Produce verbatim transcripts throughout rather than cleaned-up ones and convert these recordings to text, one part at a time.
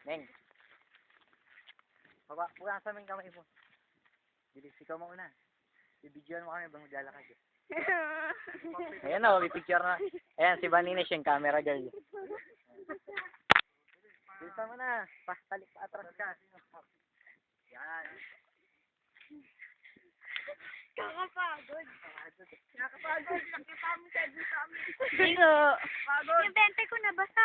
Neng. Baba, buka sa aming kamay mo. Bilis, ikaw mauna. Bibidyoan mo kami bang maglalakad eh. Ayan o, pipicture na. Ayan, si Vaninish yung camera girl. Bilisan mo na. Pastalik pa atras ka. Yan. Kakapagod. Kakapagod. Nakita mo siya dito sa amin. Dito. Pagod. Yung bente ko nabasa.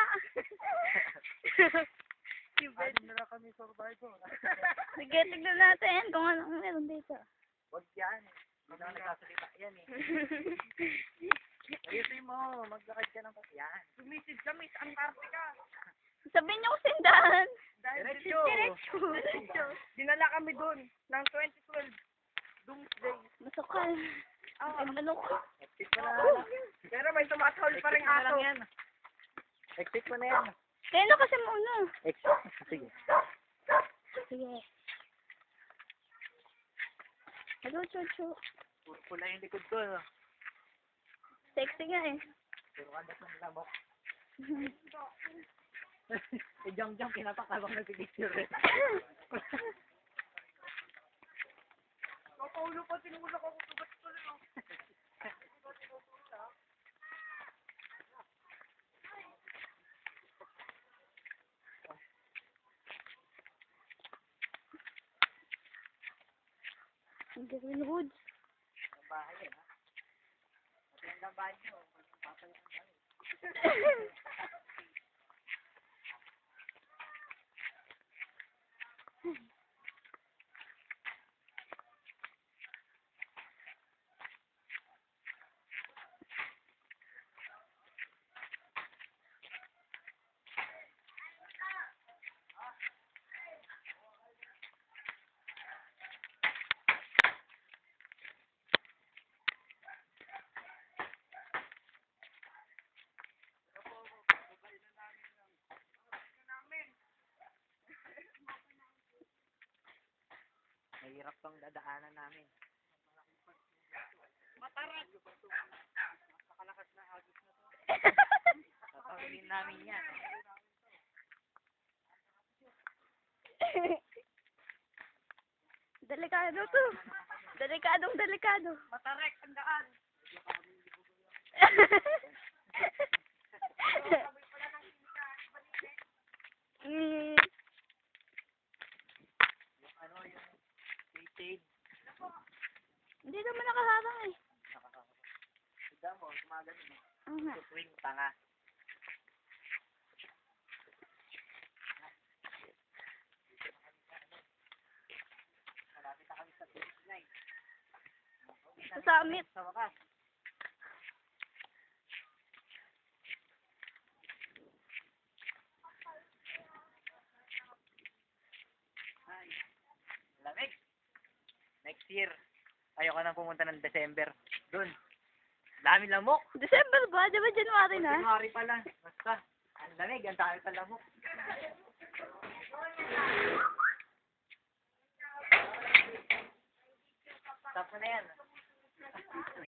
Yung bed. Ano na kami survivor? Sige, tignan natin kung anong meron dito. Huwag yan. Hindi naman nagsasalita yan eh. Ayusin mo. Maglakad ka ng yan. Sumisid kami sa Antarctica. Sabihin niyo kung sindahan. Dahil Diretso. Diretso. Diretso. Dinala kami doon ng twenty twelve. Doomsday. Masukal. Ah, Ay, manok. Exit mo na. pero may tumatahol pa rin Exit mo na lang aso. yan. Exit mo na yan. Kaya na kasi muna. Exit. Sige. Sige. Hello, Chuchu. Pula yung likod ko. No? Sexy nga eh. Pero kada sa lamok. Eh, jump-jump. Pinapakabang nag-picture eh. Kapaulo pa, tinulak ako sugat tuloy. Ang gawin hoods. Ang bahay eh, ha? Pati ang bahay nyo. Papalit ang bahay. Mahirap tong dadaanan namin. Matarat. Nakalakas na agos na to. Tatawin namin yan. Delikado to. Delikadong delikado. Matarek ang daan. mm. Yung ano, yung shade. Hindi naman nakaharang eh. Tignan mo, tumagal mo. Oo nga. Swing, tanga. Malapit na kami sa finish line. Sa summit. Sa wakas. Ay, lamig. Next year, ayoko nang pumunta ng December. Doon. Dami lamok. December ba? Di ba January na? January pa lang. Basta. Ang lamig. Ang dami pa lamok. Stop mo na yan.